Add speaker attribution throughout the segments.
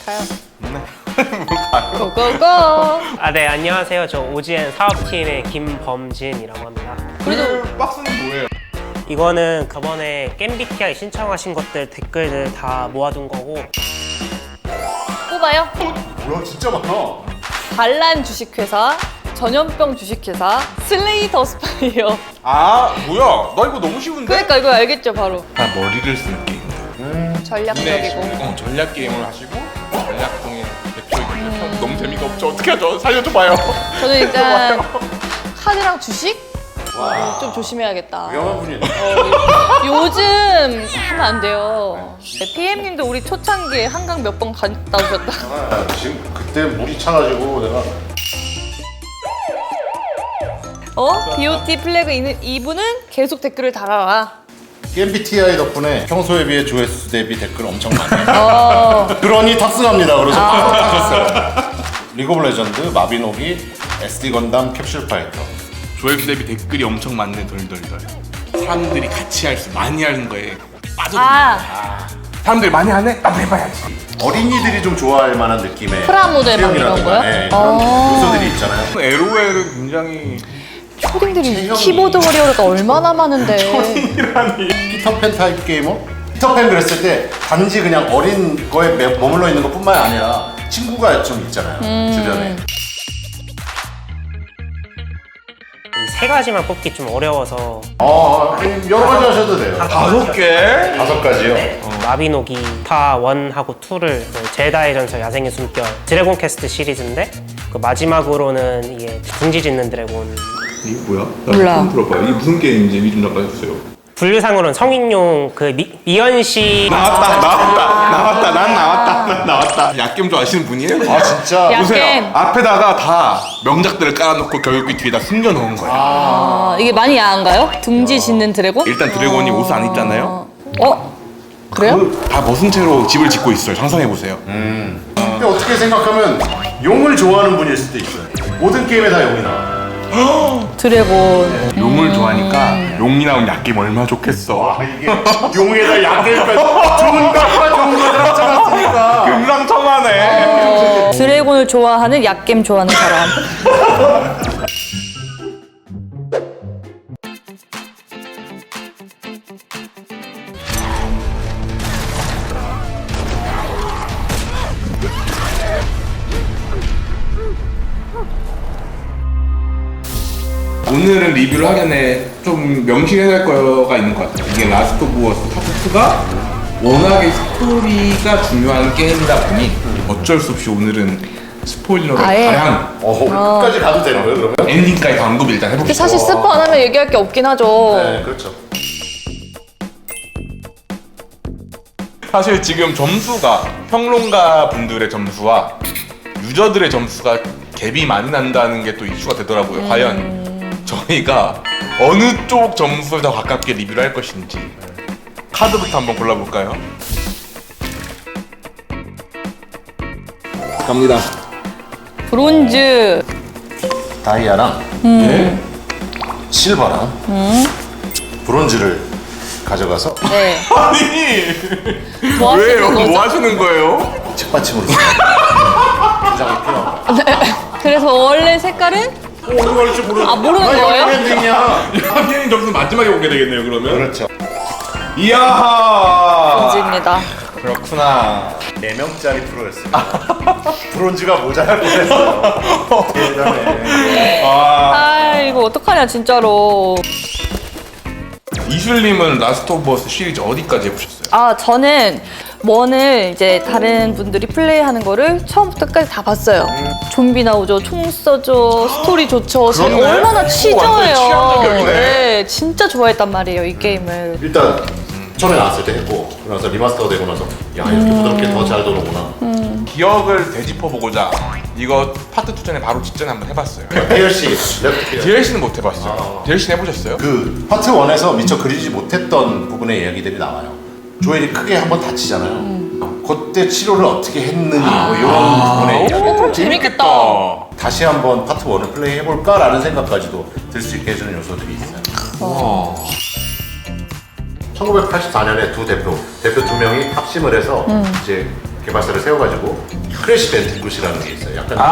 Speaker 1: 가요.
Speaker 2: 가요?
Speaker 1: 고고고.
Speaker 3: 네, 안녕하세요. 저 오지엔 사업팀의 김범진이라고 합니다.
Speaker 1: 그래도
Speaker 2: 박스는 뭐예요?
Speaker 3: 이거는 저번에 겜비티아이 신청하신 것들 댓글들 다 모아둔 거고,
Speaker 1: 뽑아요.
Speaker 2: 뭐야 진짜 많아.
Speaker 1: 반란 주식회사, 전염병 주식회사, 슬레이더 스파이어.
Speaker 2: 아 뭐야? 나 이거 너무 쉬운데?
Speaker 1: 그러니까 이거 알겠죠 바로.
Speaker 2: 다 머리를 쓰는 게임.
Speaker 1: 전략적이고.
Speaker 2: 전략 게임을 하시고 전략동의 대표이거든요. 너무 재미가 없죠. 어떻게 하죠? 살려줘봐요.
Speaker 1: 저는 일단 카드랑 주식 좀 조심해야겠다.
Speaker 2: 위험한 분이네.
Speaker 1: 요즘 하면 안 돼요. 네, PM님도 우리 초창기에 한강 몇 번 갔다 오셨다.
Speaker 4: 아, 지금 그때 물이 차가지고 내가
Speaker 1: BOT 플래그 이분은 계속 댓글을 달아라.
Speaker 4: MBTI 덕분에 평소에 비해 조회수 대비 댓글 엄청 많아요. 그러니 탑승합니다. 그래서 탑승했어요. 리그 오브 레전드, 마비노기, SD 건담, 캡슐 파이터.
Speaker 2: 조회수 대비 댓글이 엄청 많네. 덜덜덜. 사람들이 같이 많이 하는 거에 빠져들는
Speaker 1: 아,
Speaker 2: 사람들이 많이 하네? 나도 해봐야지.
Speaker 4: 어린이들이 좀 좋아할 만한 느낌의
Speaker 1: 프라모델 막 이런
Speaker 4: 수영이라든가,
Speaker 1: 거요?
Speaker 4: 네, 그런 요소들이 있잖아요.
Speaker 2: LOL은 굉장히
Speaker 1: 초딩들이
Speaker 4: 체형이-
Speaker 1: 키보드 워리어가 얼마나 많은데.
Speaker 4: 피터팬 타입 게이머? 피터팬 그랬을 때 단지 그냥 어린 거에 머물러 있는 것뿐만 아니라 친구가 좀 있잖아요. 주변에.
Speaker 3: 이 세 가지만 뽑기 좀 어려워서,
Speaker 4: 여러 가지 하셔도 돼요.
Speaker 2: 5개?
Speaker 4: 5가지요?
Speaker 3: 마비노기 파 1하고 2를 제다의 전설 야생의 숨결 드래곤 퀘스트 시리즈인데, 그 마지막으로는 이게 둥지 짓는 드래곤.
Speaker 2: 이게 뭐야?
Speaker 1: 몰라.
Speaker 2: 처음 들어봐요. 이게 무슨 게임인지 얘기 좀 나눠주세요.
Speaker 3: 분류상으로는 성인용 그 미연씨
Speaker 2: 나왔다. 난 나왔다. 약겜 좋아하시는 분이에요?
Speaker 4: 아 진짜?
Speaker 1: 야.
Speaker 2: 보세요.
Speaker 1: 약겜.
Speaker 2: 앞에다가 다 명작들을 깔아놓고 결국 뒤에다 숨겨놓은 거예요.
Speaker 1: 이게 많이 야한가요? 둥지 짓는 드래곤?
Speaker 2: 일단 드래곤이 옷을 안 입잖아요.
Speaker 1: 그래요?
Speaker 2: 다 벗은 채로 집을 짓고 있어요. 상상해보세요.
Speaker 4: 근데 어떻게 생각하면 용을 좋아하는 분일 수도 있어요. 모든 게임에 다 용이 나와.
Speaker 1: 드래곤.
Speaker 2: 용을 좋아하니까 용이 나온 약겜 얼마나 좋겠어.
Speaker 4: 이게 용에다 약일까지 좋은 것과 좋은 것을 합쳐놨으니까.
Speaker 2: 금상첨화네.
Speaker 1: 드래곤을 좋아하는 약겜 좋아하는 사람.
Speaker 2: 오늘은 리뷰를 하기 전에 좀 명시해야 될 거가 있는 것 같아요. 이게 라스트 오브 어스 파트 2가 워낙에 스토리가 중요한 게임이다 보니 어쩔 수 없이 오늘은 스포일러를
Speaker 1: 아예?
Speaker 2: 다양
Speaker 4: 끝까지 가도 되는 거예요, 그러면?
Speaker 2: 엔딩까지 언급을 일단 해볼게요.
Speaker 1: 사실 스포 안 하면 얘기할 게 없긴 하죠.
Speaker 4: 네, 그렇죠.
Speaker 2: 사실 지금 점수가 평론가 분들의 점수와 유저들의 점수가 갭이 많이 난다는 게 또 이슈가 되더라고요. 과연 저희가 어느 쪽 점수를 더 가깝게 리뷰를 할 것인지 카드부터 한번 골라볼까요? 갑니다.
Speaker 1: 브론즈.
Speaker 4: 다이아랑
Speaker 2: 네?
Speaker 4: 실버랑 브론즈를 가져가서
Speaker 1: 네.
Speaker 2: 아니
Speaker 1: 뭐 하시는
Speaker 2: 왜요?
Speaker 1: 거죠?
Speaker 2: 뭐 하시는 거예요?
Speaker 4: 책받침으로 포장이 필요하고.
Speaker 1: 그래서 원래 색깔은?
Speaker 4: 어디 갈지 모르는.
Speaker 1: 모르는 거예요?
Speaker 4: 엔딩이야.
Speaker 2: 하기님 점수 마지막에 보게 되겠네요. 그러면.
Speaker 4: 그렇죠.
Speaker 2: 이야.
Speaker 1: 브론즈입니다.
Speaker 2: 그렇구나.
Speaker 4: 4명짜리 프로였습니다. 브론즈가 모자랄 뻔했어. 대단해.
Speaker 1: 아 이거 어떡하냐 진짜로.
Speaker 2: 이슐님은 라스트 오브 어스 시리즈 어디까지 해보셨어요?
Speaker 1: 저는 원을 이제 다른 분들이 플레이하는 거를 처음부터 끝까지 다 봤어요. 좀비 나오죠, 총 쏘죠, 스토리 좋죠. 제가
Speaker 2: 그렇네.
Speaker 1: 얼마나
Speaker 2: 완전
Speaker 1: 치저예요.
Speaker 2: 취향적이네.
Speaker 1: 네, 진짜 좋아했단 말이에요 이 게임을.
Speaker 4: 일단 처음에 나왔을 때 했고 그러면서 리마스터 되고 나서 야 이렇게 부드럽게 더 잘 도는구나.
Speaker 2: 기억을 되짚어보고자 이거 파트 2 전에 바로 직전에 한번 해봤어요.
Speaker 4: DLC, 레프트 피어.
Speaker 2: DLC는 못 해봤어요. DLC는 해보셨어요?
Speaker 4: 그 파트 1에서 미처 그리지 못했던 부분의 이야기들이 나와요. 조엘이 크게 한번 다치잖아요. 그때 치료를 어떻게 했느니 뭐 이런 부분의 이야기.
Speaker 1: 그럼 재밌겠다.
Speaker 4: 다시 한번 파트 1을 플레이 해볼까라는 생각까지도 들 수 있게 해주는 요소들이 있어요. 1984년에 두 대표 2명이 합심을 해서 이제 개발사를 세워가지고 크래시 밴디굿이라는 게 있어요. 약간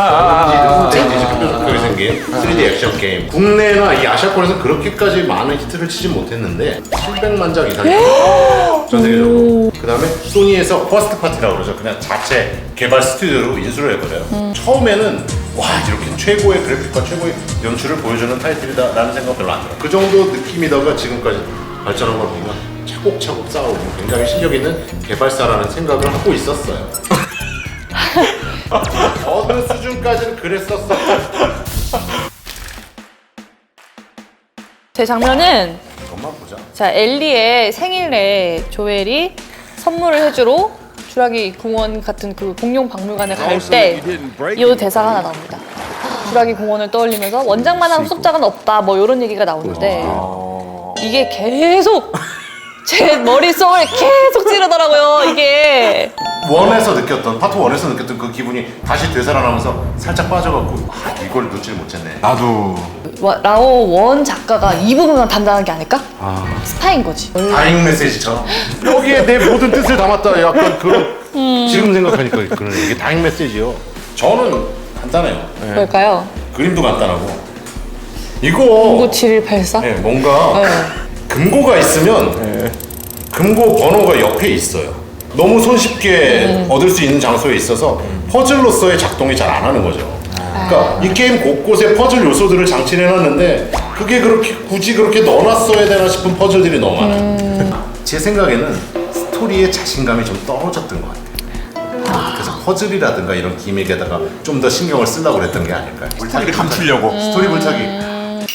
Speaker 4: 흑돼지 생긴 3D 액션 게임. 국내나 이 아시아권에서 그렇게까지 많은 히트를 치진 못했는데 700만 장 이상이 전 세계적으로. 그 다음에 소니에서 퍼스트 파티라고 그러죠. 그냥 자체 개발 스튜디오로 인수를 해버려요. 처음에는 와 이렇게 최고의 그래픽과 최고의 연출을 보여주는 타이틀이다라는 생각 별로 안 들어요. 그 정도 느낌이다가 지금까지 발전한 걸 보면 차곡차곡 쌓아오고 굉장히 실력 있는 개발사라는 생각을 하고 있었어요. 어느 수준까지는 그랬었어.
Speaker 1: 제 장면은
Speaker 4: 이것만 보자.
Speaker 1: 자 엘리의 생일에 조엘이 선물을 해주러 주라기 공원 같은 그 공룡 박물관에 갈 때 이 대사가 하나 나옵니다. 주라기 공원을 떠올리면서 원작만한 후속작은 없다 뭐 이런 얘기가 나오는데 이게 계속 제 머릿속을 계속 찌르더라고요 이게.
Speaker 4: 원에서 느꼈던 파트 1에서 느꼈던 그 기분이 다시 되살아나면서 살짝 빠져갖고 이걸 놓지를 못했네.
Speaker 2: 나도
Speaker 1: 라오 원 작가가 이 부분만 담당한 게 아닐까? 스파인 거지.
Speaker 4: 다잉 메시지처럼 여기에 내 모든 뜻을 담았다. 약간 그런 지금 생각하니까 그런 이게 다잉 메시지요. 저는 간단해요.
Speaker 1: 뭘까요?
Speaker 4: 그림도 간단하고 이거
Speaker 1: 097184?
Speaker 4: 네, 뭔가 금고가 있으면 금고 번호가 옆에 있어요. 너무 손쉽게 얻을 수 있는 장소에 있어서 퍼즐로서의 작동이 잘 안 하는 거죠. 그러니까 이 게임 곳곳에 퍼즐 요소들을 장치를 해놨는데 그게 그렇게 굳이 그렇게 넣어놨어야 되나 싶은 퍼즐들이 너무 많아요. 제 생각에는 스토리의 자신감이 좀 떨어졌던 것 같아요. 그래서 퍼즐이라든가 이런 기믹에다가 좀 더 신경을 쓰려고 그랬던 게 아닐까요?
Speaker 2: 스토리를 감추려고.
Speaker 4: 스토리 불타기.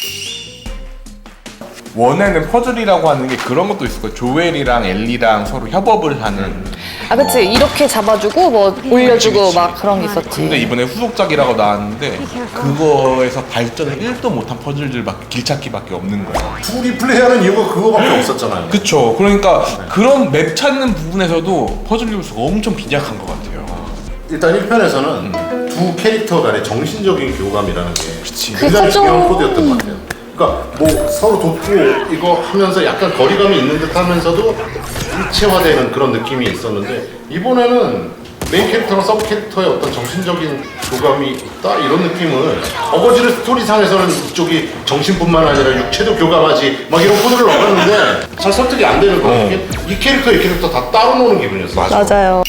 Speaker 2: 원에는 퍼즐이라고 하는 게 그런 것도 있을 거예요. 조엘이랑 엘리랑 서로 협업을 하는.
Speaker 1: 아 그치 이렇게 잡아주고 뭐 올려주고
Speaker 2: 그치.
Speaker 1: 막 그런 게 있었지.
Speaker 2: 근데 이번에 후속작이라고 나왔는데 그거에서 발전을 1도 못한 퍼즐들밖에 길찾기밖에 없는 거예요.
Speaker 4: 둘이 플레이하는 이유가 그거밖에 없었잖아요.
Speaker 2: 그쵸. 그러니까 그런 맵 찾는 부분에서도 퍼즐 요소가 엄청 빈약한 것 같아요.
Speaker 4: 일단 1편에서는 두 캐릭터 간의 정신적인 교감이라는 게
Speaker 1: 그게
Speaker 4: 굉장히
Speaker 1: 컸죠.
Speaker 4: 중요한 코드였던 것 같아요. 그러니까 뭐 서로 돕고 이거 하면서 약간 거리감이 있는 듯 하면서도 일체화되는 그런 느낌이 있었는데 이번에는 메인 캐릭터랑 서브 캐릭터의 어떤 정신적인 교감이 있다 이런 느낌을 어거지를 스토리상에서는 이쪽이 정신뿐만 아니라 육체도 교감하지 막 이런 코드를 넣었는데 잘 설득이 안 되는 거예요. 이 캐릭터 다 따로 노는 기분이었어요.
Speaker 1: 맞아요.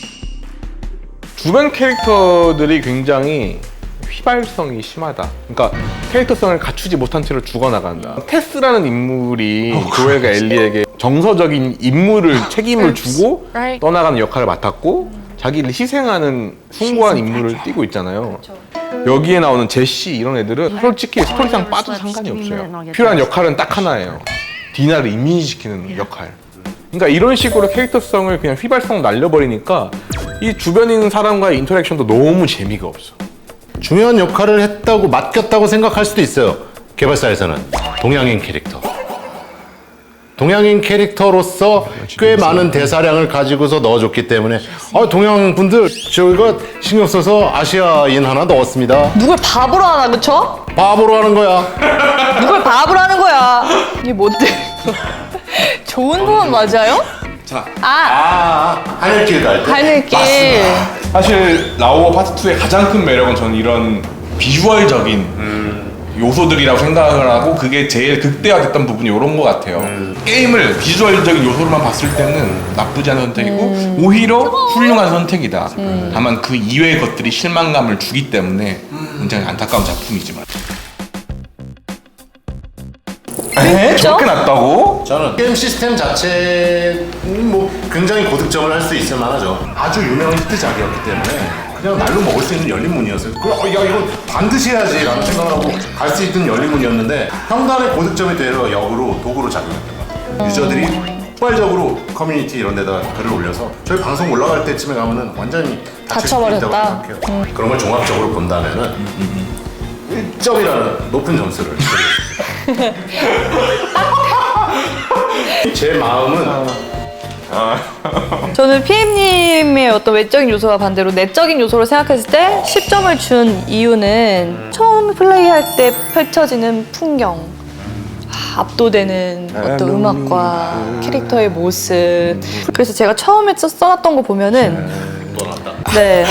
Speaker 2: 주변 캐릭터들이 굉장히 휘발성이 심하다. 그러니까 캐릭터성을 갖추지 못한 채로 죽어나간다. 테스라는 인물이 조엘과 엘리에게 정서적인 임무를 책임을 주고 떠나가는 역할을 맡았고 자기를 희생하는 숭고한 임무를 띠고 있잖아요. 여기에 나오는 제시 이런 애들은 솔직히 스토리상 빠져도 상관이 없어요. 필요한 역할은 딱 하나예요. 디나를 임신시키는 역할. 그러니까 이런 식으로 캐릭터성을 그냥 휘발성 날려버리니까 이 주변에 있는 사람과의 인터랙션도 너무 재미가 없어.
Speaker 4: 중요한 역할을 했다고 맡겼다고 생각할 수도 있어요. 개발사에서는 동양인 캐릭터. 동양인 캐릭터로서 꽤 많은 대사량을 가지고서 넣어줬기 때문에 동양 분들 저희가 신경 써서 아시아인 하나 넣었습니다.
Speaker 1: 누굴 바보로 하나 그쵸?
Speaker 4: 바보로 하는 거야.
Speaker 1: 누굴 바보로 하는 거야. 이게 뭔데? 좋은 부분 맞아요?
Speaker 2: 자,
Speaker 4: 하늘길 갈 때.
Speaker 1: 하늘길.
Speaker 2: 사실 라오어 파트 2의 가장 큰 매력은 저는 이런 비주얼적인 요소들이라고 생각을 하고 그게 제일 극대화됐던 부분이 이런 것 같아요. 게임을 비주얼적인 요소로만 봤을 때는 나쁘지 않은 선택이고 오히려 훌륭한 선택이다. 다만 그 이외의 것들이 실망감을 주기 때문에 굉장히 안타까운 작품이지만. 에? 저렇게 났다고?
Speaker 4: 저는 게임 시스템 자체는 뭐 굉장히 고득점을 할 수 있을 만하죠. 아주 유명한 히트작이었기 때문에 그냥 날로 먹을 수 있는 열린문이었어요. 야 이건 반드시 해야지 라는 생각을 하고 갈 수 있는 열린문이었는데 평단의 고득점이 되려 역으로 도구로 작용했던 것 같아요. 유저들이 폭발적으로 커뮤니티 이런 데다 글을 올려서 저희 방송 올라갈 때쯤에 가면은 완전히 다칠 수도 있다고
Speaker 1: 다쳐버렸다.
Speaker 4: 생각해요. 그런 걸 종합적으로 본다면은 1점이라는 높은 점수를 드리겠습니다. 제 마음은
Speaker 1: 저는 PM님의 어떤 외적인 요소와 반대로 내적인 요소로 생각했을 때 10점을 준 이유는 처음 플레이할 때 펼쳐지는 풍경. 압도되는 어떤 음악과 캐릭터의 모습. 그래서 제가 처음에 써놨던 거 보면은 네.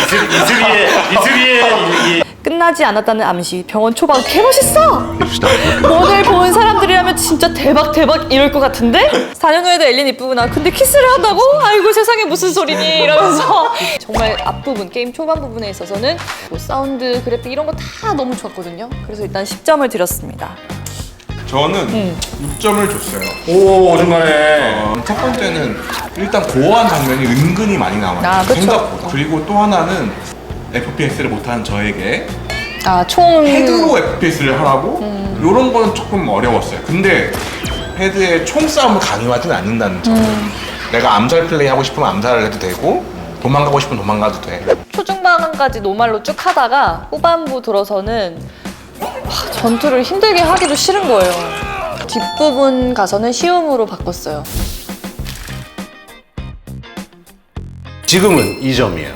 Speaker 4: 이슬이의
Speaker 1: 끝나지 않았다는 암시, 병원 초반 개멋있어! 오늘 본 사람들이라면 진짜 대박 이럴 것 같은데? 4년 후에도 엘린 이쁘구나. 근데 키스를 한다고? 아이고 세상에 무슨 소리니? 이러면서 정말 앞부분, 게임 초반 부분에 있어서는 뭐 사운드, 그래픽 이런 거 다 너무 좋았거든요. 그래서 일단 10점을 드렸습니다.
Speaker 2: 저는 6점을 줬어요.
Speaker 4: 오 중간에
Speaker 2: 첫 번째는 일단 고어한 장면이 은근히 많이 나와요.
Speaker 1: 아, 그쵸.
Speaker 2: 생각보다. 그리고 또 하나는 FPS를 못하는 저에게
Speaker 1: 총
Speaker 2: 헤드로 FPS를 하라고? 이런 거는 조금 어려웠어요. 근데 헤드에 총싸움을 강요하진 않는다는 점. 내가 암살 플레이 하고 싶으면 암살을 해도 되고 도망가고 싶으면 도망가도 돼.
Speaker 1: 초중반까지 노말로 쭉 하다가 후반부 들어서는 전투를 힘들게 하기도 싫은 거예요. 뒷부분 가서는 쉬움으로 바꿨어요.
Speaker 4: 지금은 2점이에요.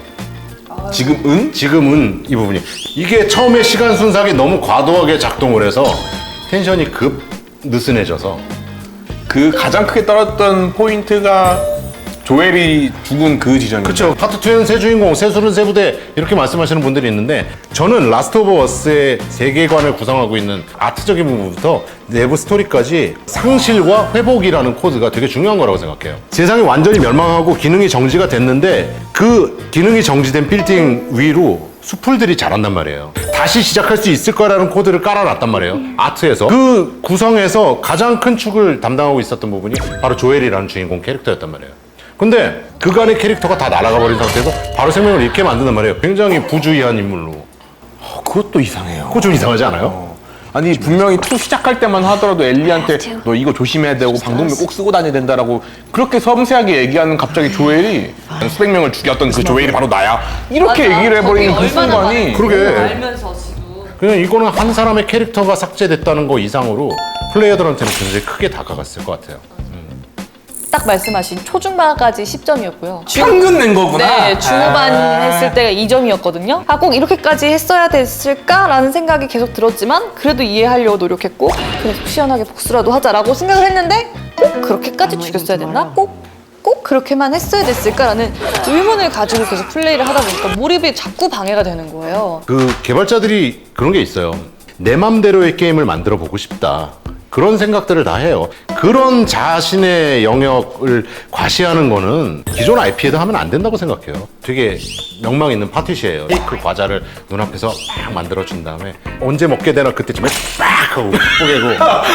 Speaker 2: 지금은
Speaker 4: 이 부분이 이게 처음에 시간 순삭이 너무 과도하게 작동을 해서 텐션이 급 느슨해져서
Speaker 2: 그 가장 크게 떨어졌던 포인트가 조엘이 죽은 그 지점이에요.
Speaker 4: 그렇죠. 파트 2에는 새 주인공, 새 술은 새 부대 이렇게 말씀하시는 분들이 있는데 저는 라스트 오브 어스의 세계관을 구성하고 있는 아트적인 부분부터 내부 스토리까지 상실과 회복이라는 코드가 되게 중요한 거라고 생각해요. 세상이 완전히 멸망하고 기능이 정지가 됐는데 그 기능이 정지된 빌딩 위로 수풀들이 자란단 말이에요. 다시 시작할 수 있을 거라는 코드를 깔아놨단 말이에요. 아트에서. 그 구성에서 가장 큰 축을 담당하고 있었던 부분이 바로 조엘이라는 주인공 캐릭터였단 말이에요. 근데 그간의 캐릭터가 다 날아가 버린 상태에서 바로 생명을 잃게 만드는 말이에요. 굉장히 부주의한 인물로.
Speaker 2: 그것도 이상해요.
Speaker 4: 그거 좀 이상하지 않아요?
Speaker 2: 아니 분명히 2 시작할 때만 하더라도 엘리한테 너 이거 조심해야 되고 방독면 꼭 쓰고 다녀야 된다라고 그렇게 섬세하게 얘기하는 갑자기 조엘이 수백 명을 죽였던 그 조엘이 바로 나야 이렇게 얘기를 해버리는 그 순간이
Speaker 4: 그러게.
Speaker 1: 알면서 지금
Speaker 4: 그냥 이거는 한 사람의 캐릭터가 삭제됐다는 거 이상으로 플레이어들한테는 굉장히 크게 다가갔을 것 같아요.
Speaker 1: 딱 말씀하신 초중반까지 10점이었고요.
Speaker 2: 평균 낸 거구나.
Speaker 1: 네, 중후반 했을 때가 2점이었거든요. 아, 꼭 이렇게까지 했어야 됐을까라는 생각이 계속 들었지만 그래도 이해하려고 노력했고 그래 속 시원하게 복수라도 하자라고 생각을 했는데 꼭 그렇게까지 죽였어야 됐나? 꼭 그렇게만 했어야 됐을까라는 의문을 가지고 계속 플레이를 하다 보니까 몰입이 자꾸 방해가 되는 거예요.
Speaker 4: 그 개발자들이 그런 게 있어요. 내 맘대로의 게임을 만들어 보고 싶다. 그런 생각들을 다 해요. 그런 자신의 영역을 과시하는 거는 기존 IP에도 하면 안 된다고 생각해요. 되게 명망 있는 파티시예요. 케이크 과자를 눈앞에서 막 만들어준 다음에 언제 먹게 되나 그때쯤에 빡 하고 뽀개고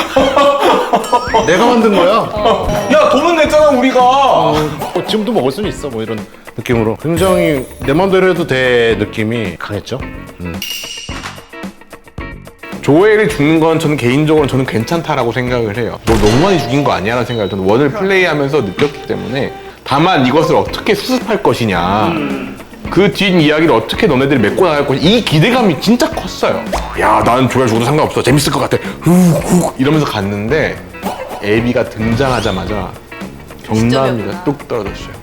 Speaker 4: 내가 만든 거야.
Speaker 2: 야 돈은 냈잖아 우리가.
Speaker 4: 지금도 먹을 수는 있어. 뭐 이런 느낌으로 굉장히 내 맘대로 해도 돼 느낌이 강했죠.
Speaker 2: 조엘이 죽는 건 저는 개인적으로 저는 괜찮다라고 생각을 해요. 너 너무 많이 죽인 거 아니야? 라는 생각을 저는 원을 플레이하면서 느꼈기 때문에 다만 이것을 어떻게 수습할 것이냐 그 뒷 이야기를 어떻게 너네들이 메꿔 나갈 것이냐 이 기대감이 진짜 컸어요. 야 나는 조엘 죽어도 상관없어 재밌을 것 같아 후 이러면서 갔는데 에비가 등장하자마자 경남이가 뚝 떨어졌어요.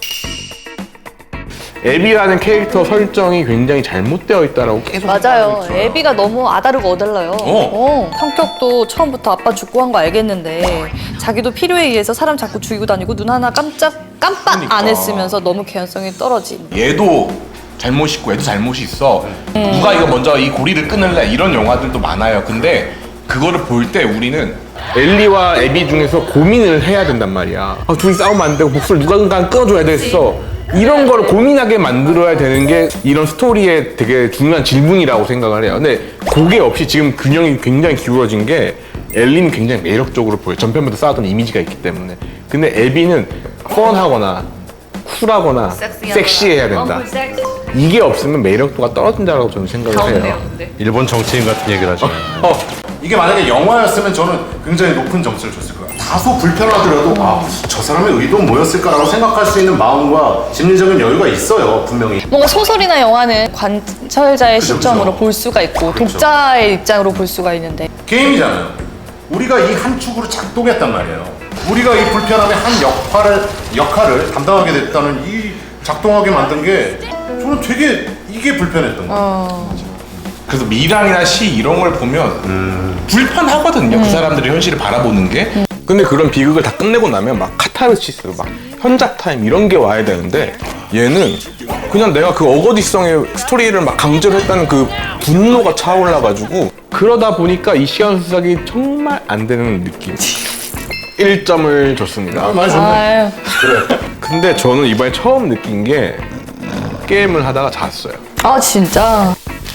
Speaker 2: 에비라는 캐릭터 설정이 굉장히 잘못되어 있다라고 계속
Speaker 1: 맞아요.
Speaker 2: 생각하고 있어요.
Speaker 1: 애비가 너무 아다르고 어달라요. 성격도 처음부터 아빠 죽고 한 거 알겠는데 자기도 필요에 의해서 사람 자꾸 죽이고 다니고 눈 하나 깜빡
Speaker 2: 그러니까.
Speaker 1: 안 했으면서 너무 개연성이 떨어진.
Speaker 2: 얘도 잘못이 있고 얘도 잘못이 있어. 누가 이거 먼저 이 고리를 끊을래 이런 영화들도 많아요. 근데 그거를 볼 때 우리는 엘리와 에비 중에서 고민을 해야 된단 말이야. 둘이 싸우면 안 되고 목소리 누군가 끊어줘야 되겠어. 이런 걸 고민하게 만들어야 되는 게 이런 스토리의 되게 중요한 질문이라고 생각을 해요. 근데 그게 없이 지금 균형이 굉장히 기울어진 게 엘리는 굉장히 매력적으로 보여요. 전편부터 쌓았던 이미지가 있기 때문에. 근데 에비는 펀하거나 쿨하거나 섹시해야 된다. 이게 없으면 매력도가 떨어진다고 저는 생각을 해요.
Speaker 4: 일본 정치인 같은 얘기를 하시네요. 이게 만약에 영화였으면 저는 굉장히 높은 점수를 줬을 거예요. 다소 불편하더라도 저 사람의 의도는 뭐였을까라고 생각할 수 있는 마음과 심리적인 여유가 있어요. 분명히.
Speaker 1: 뭔가 소설이나 영화는 관찰자의
Speaker 4: 그죠,
Speaker 1: 시점으로
Speaker 4: 그죠.
Speaker 1: 볼 수가 있고
Speaker 4: 그렇죠.
Speaker 1: 독자의 입장으로 볼 수가 있는데
Speaker 4: 게임이잖아요. 우리가 이 한 축으로 작동했단 말이에요. 우리가 이 불편함의 한 역할을 담당하게 됐다는 이 작동하게 만든 게 저는 되게 이게 불편했던 거예요.
Speaker 2: 그래서 미랑이나 시 이런 걸 보면 불편하거든요. 그 사람들의 현실을 바라보는 게. 근데 그런 비극을 다 끝내고 나면 막 카타르시스, 막 현작 타임 이런 게 와야 되는데 얘는 그냥 내가 그 어거지성의 스토리를 막 강조를 했다는 그 분노가 차올라가지고 그러다 보니까 이 시간 수작이 정말 안 되는 느낌. 1점을 줬습니다.
Speaker 4: 많이 좋네.
Speaker 1: 아유.
Speaker 2: 그래. 근데 저는 이번에 처음 느낀 게 게임을 하다가 잤어요.
Speaker 1: 아 진짜.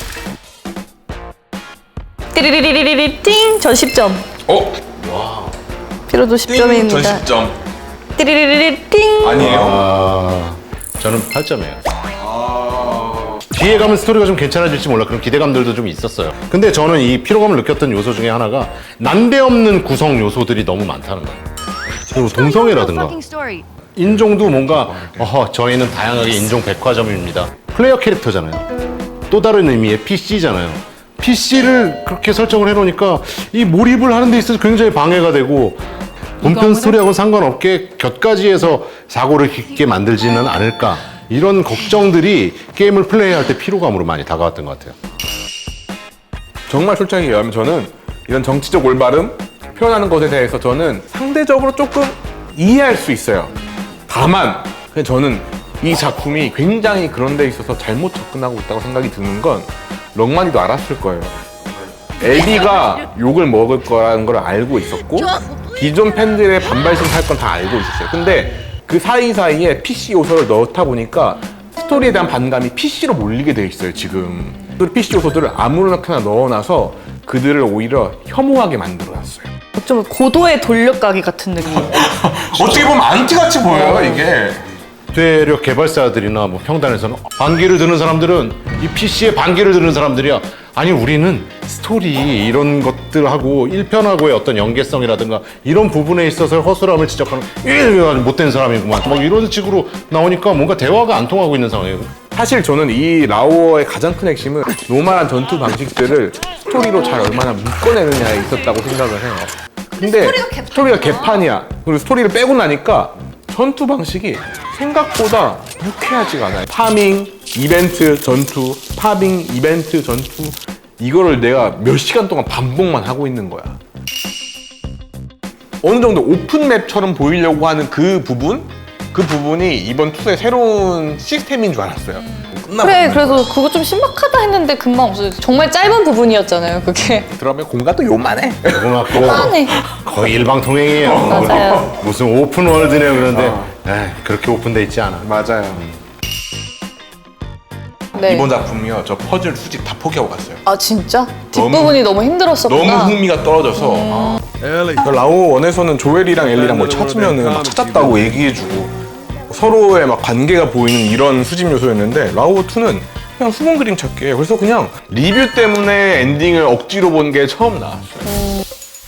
Speaker 1: 띠리리리리리 띵! 전 10점. 피로도 10점입니다.
Speaker 2: 전 10점.
Speaker 1: 띠리리리리 띵!
Speaker 2: 아니에요.
Speaker 4: 저는 8점이에요. 뒤에 가면 스토리가 좀 괜찮아질지 몰라. 그런 기대감들도 좀 있었어요. 근데 저는 이 피로감을 느꼈던 요소 중에 하나가 난데없는 구성 요소들이 너무 많다는 거예요. 그리고 동성애라든가 인종도 뭔가 저희는 다양하게 인종 백화점입니다. 플레이어 캐릭터잖아요. 또 다른 의미의 PC잖아요. PC를 그렇게 설정을 해놓으니까 이 몰입을 하는 데 있어서 굉장히 방해가 되고 본편 스토리하고는 상관없게 곁가지에서 사고를 깊게 만들지는 않을까 이런 걱정들이 게임을 플레이할 때 피로감으로 많이 다가왔던 것 같아요.
Speaker 2: 정말 솔직하게 얘기하면 저는 이런 정치적 올바름 표현하는 것에 대해서 저는 상대적으로 조금 이해할 수 있어요. 다만 그냥 저는 이 작품이 굉장히 그런 데 있어서 잘못 접근하고 있다고 생각이 드는 건 럭마니도 알았을 거예요. 엘리가 욕을 먹을 거라는 걸 알고 있었고 기존 팬들의 반발심 살 건 다 알고 있었어요. 근데 그 사이사이에 PC 요소를 넣다 보니까 스토리에 대한 반감이 PC로 몰리게 돼 있어요, 지금. 그 PC 요소들을 아무렇게나 넣어놔서 그들을 오히려 혐오하게 만들어놨어요.
Speaker 1: 좀 고도의 돌려가기 같은 느낌.
Speaker 2: 어떻게 보면 안티같이 보여요, 이게.
Speaker 4: 되려 개발사들이나 뭐 평단에서는 반기를 드는 사람들은 이 PC에 반기를 드는 사람들이야. 아니 우리는 스토리 이런 것들하고 1편하고의 어떤 연계성이라든가 이런 부분에 있어서 허술함을 지적하는 못된 사람이구만 막 이런 식으로 나오니까 뭔가 대화가 안 통하고 있는 상황이에요.
Speaker 2: 사실 저는 이 라오어의 가장 큰 핵심은 노멀한 전투 방식들을 스토리로 잘 얼마나 묶어내느냐에 있었다고 생각을 해요. 근데 스토리가 개판이야. 그리고 스토리를 빼고 나니까 전투 방식이 생각보다 유쾌하지가 않아요. 파밍, 이벤트, 전투, 파밍, 이벤트, 전투 이거를 내가 몇 시간 동안 반복만 하고 있는 거야. 어느 정도 오픈맵처럼 보이려고 하는 그 부분이 이번 2의 새로운 시스템인 줄 알았어요. 끝나고
Speaker 1: 그래,
Speaker 2: 나면.
Speaker 1: 그래서 그거 좀 신박하다 했는데 금방 없어졌어. 정말 짧은 부분이었잖아요, 그게.
Speaker 2: 들어가면 공간도 요만해.
Speaker 1: 뻔해.
Speaker 4: 거의 일방통행이에요.
Speaker 1: 맞아요.
Speaker 4: 무슨 오픈월드네요. 그런데 에이, 그렇게 오픈돼 있지 않아.
Speaker 2: 맞아요.
Speaker 1: 네.
Speaker 2: 이번 작품이요. 저 퍼즐 수집 다 포기하고 갔어요.
Speaker 1: 아 진짜? 뒷부분이 너무 힘들었었구나.
Speaker 2: 너무 흥미가 떨어져서 그 라오 1에서는 조엘이랑 엘리랑 뭘 찾으면은 막 찾았다고 얘기해주고 서로의 막 관계가 보이는 이런 수집 요소였는데 라오 2는 그냥 수분 그림 찾기예요. 그래서 그냥 리뷰 때문에 엔딩을 억지로 본 게 처음 나왔어요.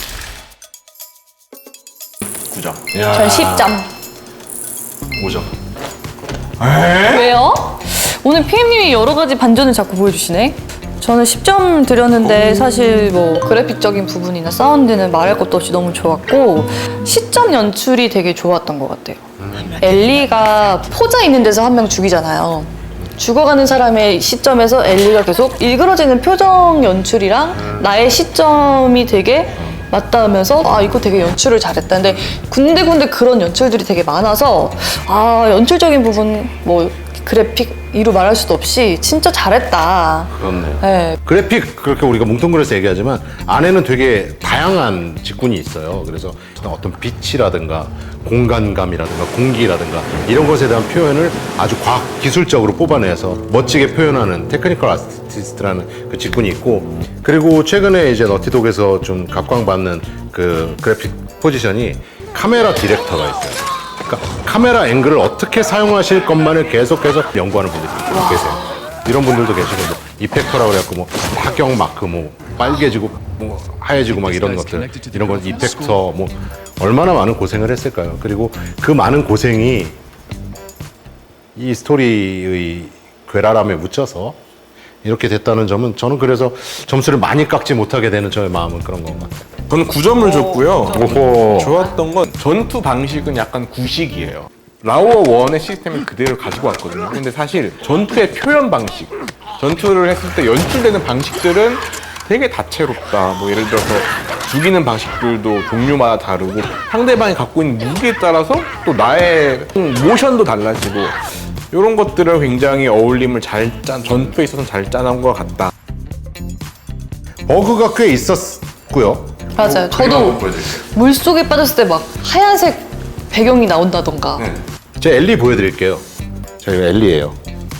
Speaker 2: 9점.
Speaker 1: 전 10점.
Speaker 2: 5점.
Speaker 1: 왜요? 오늘 PM님이 여러 가지 반전을 자꾸 보여주시네. 저는 10점 드렸는데 사실 뭐 그래픽적인 부분이나 사운드는 말할 것도 없이 너무 좋았고 시점 연출이 되게 좋았던 것 같아요. 엘리가 포자 있는 데서 한 명 죽이잖아요. 죽어가는 사람의 시점에서 엘리가 계속 일그러지는 표정 연출이랑 나의 시점이 되게 맞닿으면서 아 이거 되게 연출을 잘했다. 근데 군데군데 그런 연출들이 되게 많아서 아 연출적인 부분 뭐 그래픽 이루 말할 수도 없이 진짜 잘했다.
Speaker 4: 그렇네.
Speaker 1: 네.
Speaker 4: 그래픽 그렇게 우리가 뭉뚱그려서 얘기하지만 안에는 되게 다양한 직군이 있어요. 그래서 어떤 빛이라든가 공간감이라든가 공기라든가 이런 것에 대한 표현을 아주 과학 기술적으로 뽑아내서 멋지게 표현하는 테크니컬 아티스트라는 그 직군이 있고 그리고 최근에 이제 너티독에서 좀 각광받는 그 그래픽 포지션이 카메라 디렉터가 있어요. 그러니까 카메라 앵글을 어떻게 사용하실 것만을 계속해서 연구하는 분들이 계세요. 이런 분들도 계시고 뭐 이펙터라고 그래갖고 뭐 파경 마크 뭐 빨개지고 뭐 하얘지고 막 이런 것들 이런 건 이펙터 뭐 얼마나 많은 고생을 했을까요? 그리고 그 많은 고생이 이 스토리의 괴랄함에 묻혀서 이렇게 됐다는 점은 저는 그래서 점수를 많이 깎지 못하게 되는 저의 마음은 그런 것 같아요.
Speaker 2: 저는 9점을 줬고요.
Speaker 4: 오호.
Speaker 2: 좋았던 건 전투 방식은 약간 구식이에요. 라오어 1의 시스템을 그대로 가지고 왔거든요. 근데 사실 전투의 표현 방식, 전투를 했을 때 연출되는 방식들은 되게 다채롭다. 뭐 예를 들어서 죽이는 방식들도 종류마다 다르고 상대방이 갖고 있는 무기에 따라서 또 나의 모션도 달라지고 이런 것들을 굉장히 어울림을 전투에 있어서 잘 짜놓은 것 같다.
Speaker 4: 버그가 꽤 있었고요.
Speaker 1: 맞아요.
Speaker 2: 한번
Speaker 1: 저도
Speaker 2: 보여드릴게요.
Speaker 1: 물속에 빠졌을 때 막 하얀색 배경이 나온다던가.
Speaker 2: 네.
Speaker 4: 제가 엘리 보여드릴게요. 저희가 엘리예요.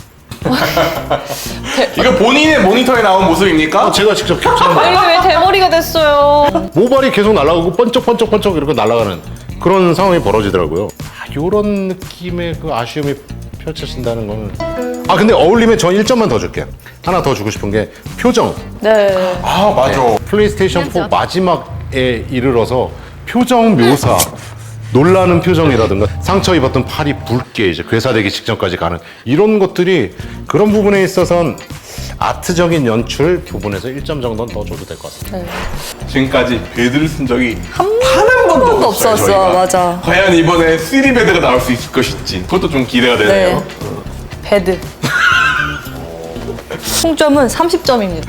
Speaker 2: 이거 본인의 모니터에 나온 모습입니까?
Speaker 4: 제가 직접 캡처한 거예요.
Speaker 1: 엘리 왜 대머리가 됐어요?
Speaker 4: 모발이 계속 날아가고 번쩍번쩍번쩍 이렇게 날아가는 그런 상황이 벌어지더라고요. 이런 느낌의 그 아쉬움이 펼쳐진다는 거는 근데 어울림에 전 1점만 더 줄게요. 하나 더 주고 싶은 게 표정.
Speaker 1: 네.
Speaker 2: 아 맞아.
Speaker 4: 플레이스테이션 4 마지막에 이르러서 표정 묘사 놀라는 표정이라든가 상처 입었던 팔이 붉게 이제 괴사되기 직전까지 가는 이런 것들이 그런 부분에 있어서는 아트적인 연출 부분에서 1점 정도는 더 줘도 될 것 같습니다.
Speaker 1: 네.
Speaker 2: 지금까지 배드를 쓴 적이
Speaker 1: 한
Speaker 2: 한 번도
Speaker 1: 번도
Speaker 2: 없어요.
Speaker 1: 없었어.
Speaker 2: 저희가.
Speaker 1: 맞아.
Speaker 2: 과연 이번에 3D 배드가 나올 수 있을 것인지 그것도 좀 기대가 되네요.
Speaker 1: 배드. 총점은 30점입니다.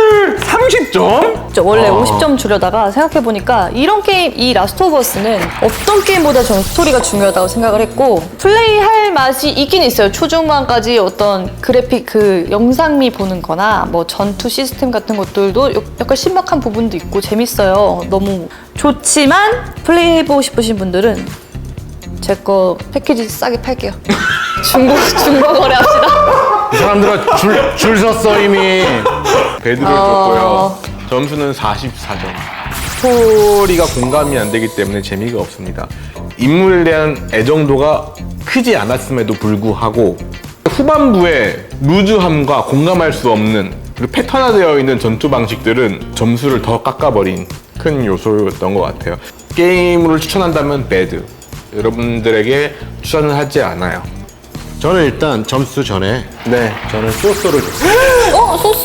Speaker 2: 30점?
Speaker 1: 원래 50점 주려다가 생각해보니까 이런 게임, 이 라스트 오브 어스는 어떤 게임보다 저는 스토리가 중요하다고 생각을 했고 플레이할 맛이 있긴 있어요. 초중반까지 어떤 그래픽 그 영상미 보는 거나 뭐 전투 시스템 같은 것들도 약간 신박한 부분도 있고 재밌어요. 너무 좋지만 플레이해보고 싶으신 분들은 제 거 패키지 싸게 팔게요. 중고 거래합시다.
Speaker 4: 이 사람들은 줄 섰어 이미.
Speaker 2: 배드를 줬고요. 점수는 44점. 스토리가 공감이 안 되기 때문에 재미가 없습니다. 인물에 대한 애정도가 크지 않았음에도 불구하고 후반부에 루즈함과 공감할 수 없는 그리고 패턴화되어 있는 전투 방식들은 점수를 더 깎아버린 큰 요소였던 것 같아요. 게임을 추천한다면 배드. 여러분들에게 추천을 하지 않아요.
Speaker 4: 저는 일단 점수 전에
Speaker 2: 네.
Speaker 4: 저는 소스를 줬어요.
Speaker 1: 소스?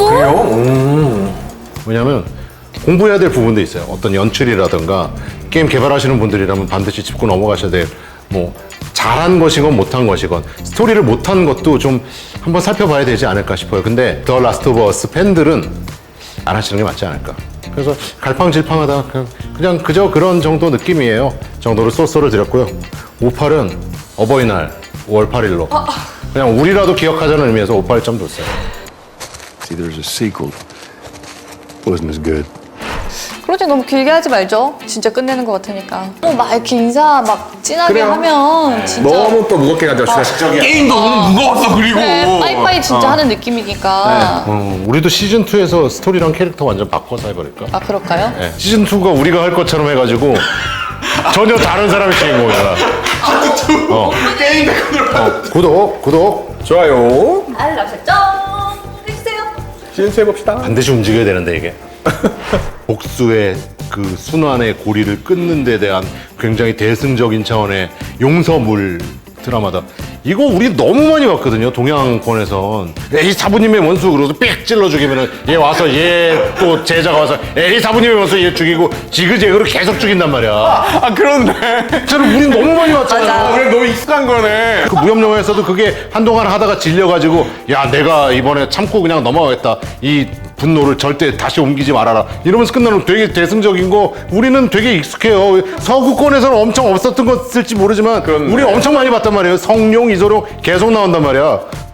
Speaker 4: 왜냐면 공부해야 될 부분도 있어요. 어떤 연출이라든가 게임 개발하시는 분들이라면 반드시 짚고 넘어가셔야 될 뭐 잘한 것이건 못한 것이건 스토리를 못한 것도 좀 한번 살펴봐야 되지 않을까 싶어요. 근데 더 라스트 오브 어스 팬들은 안 하시는 게 맞지 않을까. 그래서 갈팡질팡하다 그냥 그저 그런 정도 느낌이에요. 정도로 소스를 드렸고요. 58은 어버이날 5월 8일로 그냥 우리라도 기억하자는 의미에서 58점 줬어요.
Speaker 5: See, there's a sequel. Wasn't as good.
Speaker 1: 그러지 너무 길게 하지 말죠. 진짜 끝내는 것 같으니까. 막 이렇게 인사 막 진하게
Speaker 2: 그래요.
Speaker 1: 하면 진짜
Speaker 2: 너무 또 무겁게 가져왔어요. 게임도 너무 무거웠어 그리고.
Speaker 1: 네, 빠이빠이 진짜 하는 느낌이니까.
Speaker 4: 우리도 시즌 2에서 스토리랑 캐릭터 완전 바꿔서 해버릴까?
Speaker 1: 아 그럴까요?
Speaker 4: 네. 시즌 2가 우리가 할 것처럼 해가지고 전혀 다른 사람이 주인공이야.
Speaker 2: 게임 백으로.
Speaker 4: 구독.
Speaker 2: 좋아요.
Speaker 1: 알람 설정 해주세요.
Speaker 2: 시즌2 해봅시다.
Speaker 4: 반드시 움직여야 되는데 이게. 복수의 그 순환의 고리를 끊는 데 대한 굉장히 대승적인 차원의 용서물 드라마다. 이거 우리 너무 많이 봤거든요. 동양권에선 에이 사부님의 원수 그러서 빽 찔러 죽이면은 얘 와서 얘 또 제자가 와서 에이 사부님의 원수 얘 죽이고 지그재그로 계속 죽인단 말이야.
Speaker 2: 아 그런데.
Speaker 4: 저는 우린 너무 많이 봤잖아요.
Speaker 1: 맞아.
Speaker 2: 오늘 너무 익숙한 거네.
Speaker 4: 그 무협 영화에서도 그게 한동안 하다가 질려가지고 야 내가 이번에 참고 그냥 넘어가겠다. 이 분노를 절대 다시 옮기지 말아라. 이러면서 끝나는 되게 대승적인 거 우리는 되게 익숙해요. 서구권에서는 엄청 없었던 것일지 모르지만
Speaker 2: 그렇네.
Speaker 4: 우리 엄청 많이 봤단 말이에요. 성룡, 이소룡 계속 나온단 말이야.